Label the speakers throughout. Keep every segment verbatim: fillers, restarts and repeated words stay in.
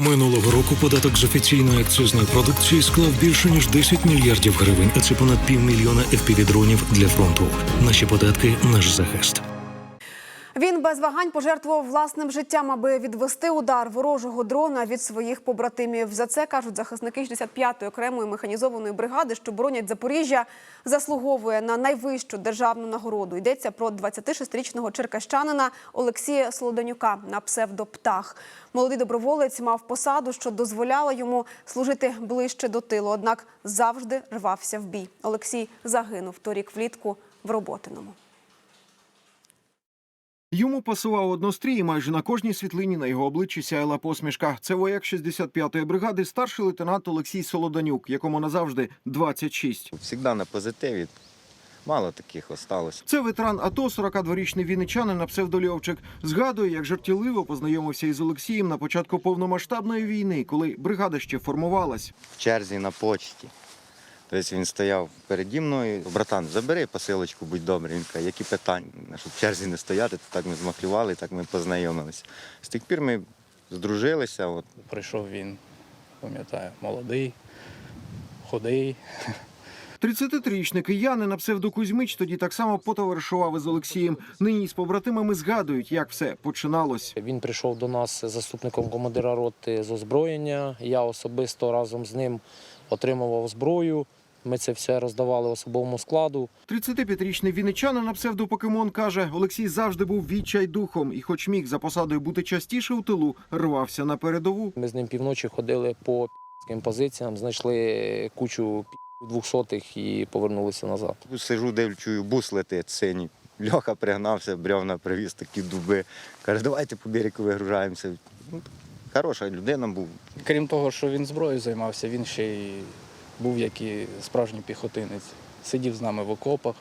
Speaker 1: Минулого року податок з офіційної акцизної продукції склав більше ніж десять мільярдів гривень, а це понад півмільйона еф пі ві-дронів для фронту. Наші податки – наш захист.
Speaker 2: Він без вагань пожертвував власним життям, аби відвести удар ворожого дрона від своїх побратимів. За це, кажуть захисники шістдесят п'ятої окремої механізованої бригади, що боронять Запоріжжя, заслуговує на найвищу державну нагороду. Йдеться про двадцятишестирічного черкащанина Олексія Солоденюка на псевдо «Птах». Молодий доброволець мав посаду, що дозволяла йому служити ближче до тилу, однак завжди рвався в бій. Олексій загинув торік влітку в Роботиному.
Speaker 3: Йому пасував однострій, і майже на кожній світлині на його обличчі сяяла посмішка. Це вояк шістдесят п'ятої бригади, старший лейтенант Олексій Солоденюк, якому назавжди двадцять шість.
Speaker 4: Всегда на позитиві. Мало таких осталось.
Speaker 3: Це ветеран АТО, сорокадворічний вінничанин на псевдо-Льовчик. Згадує, як жартівливо познайомився із Олексієм на початку повномасштабної війни, коли бригада ще формувалась.
Speaker 4: В черзі на почті. Тобто він стояв переді мною. Братан, забери посилочку, будь добрий. Він каже, які питання, щоб в черзі не стояти. То так ми змахлювали, так ми познайомилися. З тих пір ми здружилися. От.
Speaker 5: Прийшов він, пам'ятаю, молодий, худий.
Speaker 3: тридцятитрирічний киянин на псевдо Кузьмич тоді так само потоваришував із Олексієм. Нині з побратимами згадують, як все починалось.
Speaker 6: Він прийшов до нас заступником командира роти з озброєння. Я особисто разом з ним отримував зброю. Ми це все роздавали особовому складу.
Speaker 3: тридцятип'ятирічний вінничанин на псевдо Покемон каже, Олексій завжди був відчайдухом і хоч міг за посадою бути частіше у тилу, рвався на передову.
Speaker 6: Ми з ним півночі ходили по п***ским позиціям, знайшли кучу двохсотих і повернулися назад.
Speaker 4: Сижу, дивлю, чую, бус летить синій. Льоха пригнався, брьовна привіз, такі дуби. Каже, давайте по берегу вигружаємося. Ну, хороша людина був.
Speaker 5: Крім того, що він зброєю займався, він ще й був як і справжній піхотинець. Сидів з нами в окопах,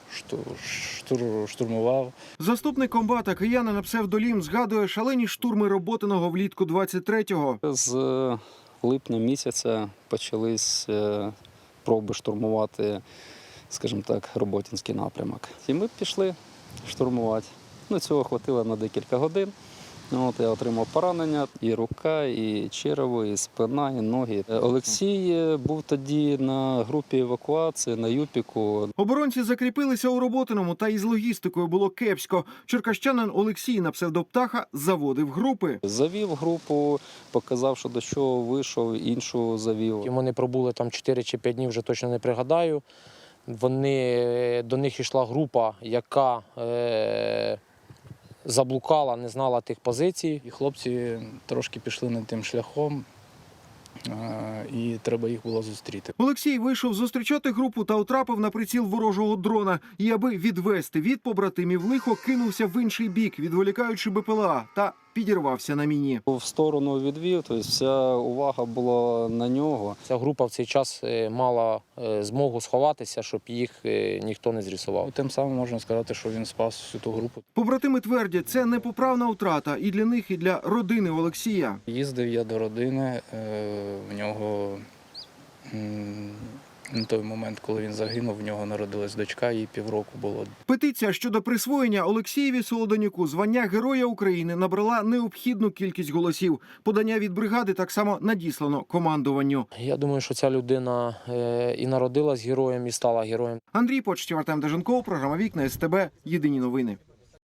Speaker 5: штур, штурмував.
Speaker 3: Заступник комбата киянин на псевдолім згадує шалені штурми Роботиного влітку двадцять третього.
Speaker 7: З липня місяця почались проби штурмувати, скажімо так, Роботинський напрямок. І ми пішли штурмувати. Ну, цього хватило на декілька годин. От, я отримав поранення, і рука, і черево, і спина, і ноги. Олексій був тоді на групі евакуації, на Юпіку.
Speaker 3: Оборонці закріпилися у Роботиному, та із логістикою було кепсько. Черкащанин Олексій на псевдо Птаха заводив групи.
Speaker 7: Завів групу, показав, що до чого вийшов, іншу завів.
Speaker 6: Вони пробули там чотири чи п'ять днів, вже точно не пригадаю. Вони, до них йшла група, яка е, заблукала, не знала тих позицій.
Speaker 5: І хлопці трошки пішли не тим шляхом, і треба їх було зустріти.
Speaker 3: Олексій вийшов зустрічати групу та утрапив на приціл ворожого дрона. І аби відвести від побратимів лихо, кинувся в інший бік, відволікаючи Бе Пе Еле А, та підірвався на міні.
Speaker 7: В сторону відвів, тобто вся увага була на нього.
Speaker 6: Ця група в цей час мала змогу сховатися, щоб їх ніхто не зрисував.
Speaker 5: Тим самим можна сказати, що він спас всю ту групу.
Speaker 3: Побратими твердять, це непоправна втрата і для них, і для родини Олексія.
Speaker 5: Їздив я до родини, в нього на той момент, коли він загинув, в нього народилась дочка, їй півроку було.
Speaker 3: Петиція щодо присвоєння Олексієві Солоденюку звання Героя України набрала необхідну кількість голосів. Подання від бригади так само надіслано командуванню.
Speaker 6: Я думаю, що ця людина і народилась героєм, і стала героєм.
Speaker 3: Андрій Почтів, Артем Деженков, програма «Вікна», ес те бе, єдині новини.